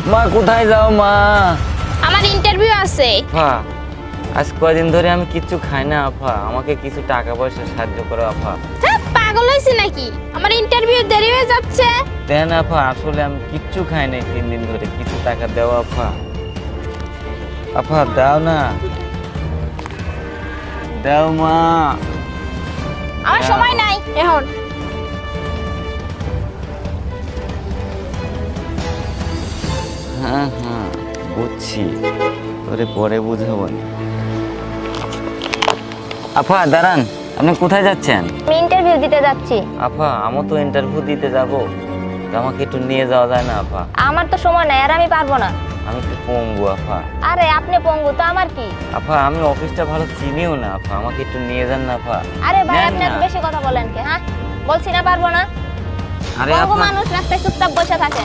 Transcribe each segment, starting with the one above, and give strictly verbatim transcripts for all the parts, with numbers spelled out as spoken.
মা কোথায় যাও মা? আমার ইন্টারভিউ আছে। আপা আজ কয়দিন ধরে আমি কিচ্ছু খাই না আপা, আমাকে কিছু টাকা পয়সা সাহায্য করো আপা। হ্যাঁ, পাগল হয়েছি নাকি? আমার ইন্টারভিউ দেরি হয়ে যাচ্ছে। দেন আপা, আসলে আমি কিচ্ছু খাই নাই তিন দিন ধরে, কিছু টাকা দাও আপা। আপা দাও না, দাও মা। আমার সময় নাই এখন। হ্যাঁ হ্যাঁ বুঝছি, তোরে পরে বুঝাবো। আপা দাঁড়ান, আপনি কোথায় যাচ্ছেন? আমি ইন্টারভিউ দিতে যাচ্ছি। আপা আমি তো ইন্টারভিউ দিতে যাব, তো আমাকে একটু নিয়ে যাওয়া যায় না আপা? আমার তো সময় নাই, আর আমি পারবো না। আমি একটু পঙ্গু আপা। আরে আপনি পঙ্গু তো আমার কি? আপা আমি অফিসটা ভালো চিনিও না আপা, আমাকে একটু নিয়ে যান না আপা। আরে ভাই নেন আপনি এত না। বেশি কথা বলেন কে? হ্যাঁ বলছি না পারবো না। আরে পঙ্গু আপা, মানুষ রাস্তায় চুপচাপ বসে থাকেন।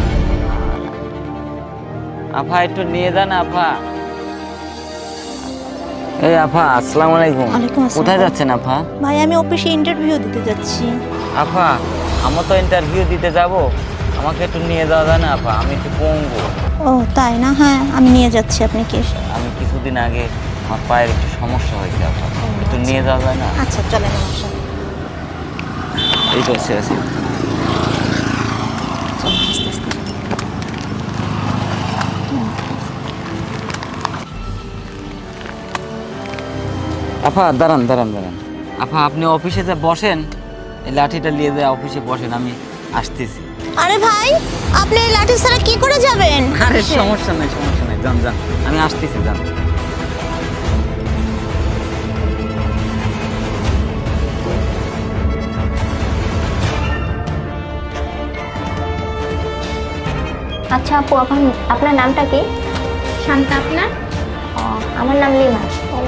আপা একটু নিয়ে যান আপা। এই আপা আসসালামু আলাইকুম। ওয়ালাইকুম আসসালাম। কোথায় যাচ্ছেন আপা? ভাই আমি অফিসে ইন্টারভিউ দিতে যাচ্ছি। আপা আমি তো ইন্টারভিউ দিতে যাব, আমাকে একটু নিয়ে যাওয়া যায় না আপা? আমি একটু পঙ্গু। ও তাই না, হ্যাঁ আমি নিয়ে যাচ্ছি। আপনি কি? আমি কিছুদিন আগে আমার পায়ের একটু সমস্যা হয়েছে আপা, একটু নিয়ে যাওয়া যায় না? আচ্ছা চলেন আমার সাথে। এই তো আছে আছে। চলেন আস্তে আস্তে। আপা দাঁড়ান দাঁড়ান দাঁড়ান আপা, আপনি অফিসে যে বসেন, এই লাঠিটা নিয়ে যায় অফিসে বসেন, আমি আসতেছি। আরে ভাই আপনি এই লাঠি ছাড়া কি করে যাবেন? আরে সমস্যা নাই সমস্যা নাই, যান যান, আমি আসতেছি, যান। আচ্ছা আপু, আপনার আপনার নামটা কি? শান্তা। আপনার? ও, আমার নাম লিমা।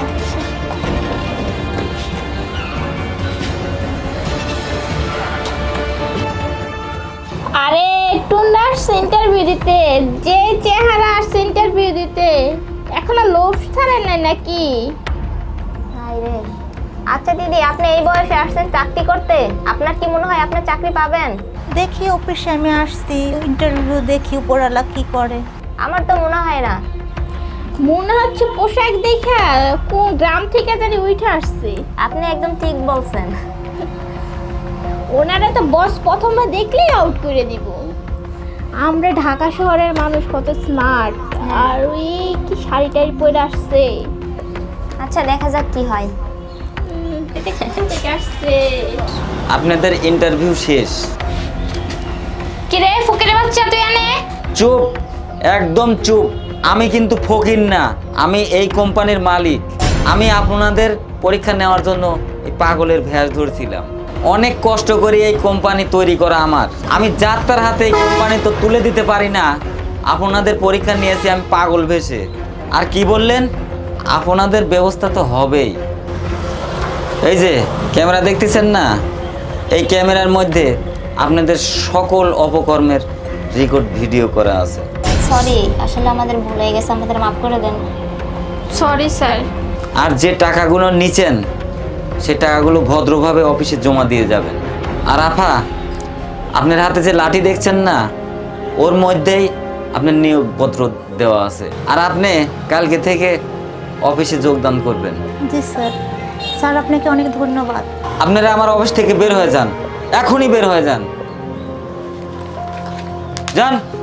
আরে টুন্ডা আসছে ইন্টারভিউ দিতে, যে চেহারা আসছে ইন্টারভিউ দিতে, এখনো লোভ ছাড়ে নাই নাকি? হাই রে। আচ্ছা দিদি, আপনি এই বয়সে আসছেন চাকরি করতে, আপনার কি মনে হয় আপনি চাকরি পাবেন? দেখি অফিসে আমি আসছি, ইন্টারভিউ দেখি উপরালা কি করে। আমার তো মনে হয় না। মনে হচ্ছে পোশাক দেখা কোন গ্রাম থেকে জানি উঠে আসছে। আপনি একদম ঠিক বলছেন। ওনারা তো বস প্রথমে দেখলেই আউট করে দিব। আমরা ঢাকা শহরের মানুষ কত স্মার্ট, আর ওই কি শাড়ি টাড়ি পরে আসছে। আচ্ছা দেখা যাক কি হয়। উম, এটা কোথা থেকে আসছে? আপনাদের ইন্টারভিউ শেষ। কিরে ফকিরের বাচ্চা, তুই আনে? চুপ, একদম চুপ। আমি কিন্তু ফকির না, আমি এই কোম্পানির মালিক। আমি আপনাদের পরীক্ষা নেওয়ার জন্য এই পাগলের ভ্যাস ধরছিলাম। অনেক কষ্ট করে এই কোম্পানি তৈরি করা আমার, আমি যার তার হাতে এই কোম্পানি তো তুলে দিতে পারি না। আপনাদের পরীক্ষা নিয়েছি আমি পাগল ভেসে। আর কি বললেন? আপনাদের ব্যবস্থা তো হবেই। এই যে ক্যামেরা দেখতেছেন না, এই ক্যামেরার মধ্যে আপনাদের সকল অপকর্মের রেকর্ড ভিডিও করা আছে। সরি, আসলে আমাদের ভুল হয়ে গেছে, আমাদের মাফ করে দেন। Sorry sir. আর যে টাকাগুলো নিছেন সে টাকাগুলো ভদ্রভাবে অফিসে জমা দিয়ে যাবেন। আর আফা, আপনার হাতে যে লাঠি দেখছেন না, ওর মধ্যেই আপনার নিয়োগপত্র দেওয়া আছে। আর আপনি কালকে থেকে অফিসে যোগদান করবেন। জি স্যার। স্যার আপনাকে অনেক ধন্যবাদ। আপনারা আমার অফিস থেকে বের হয়ে যান, এখনই বের হয়ে যান, যান।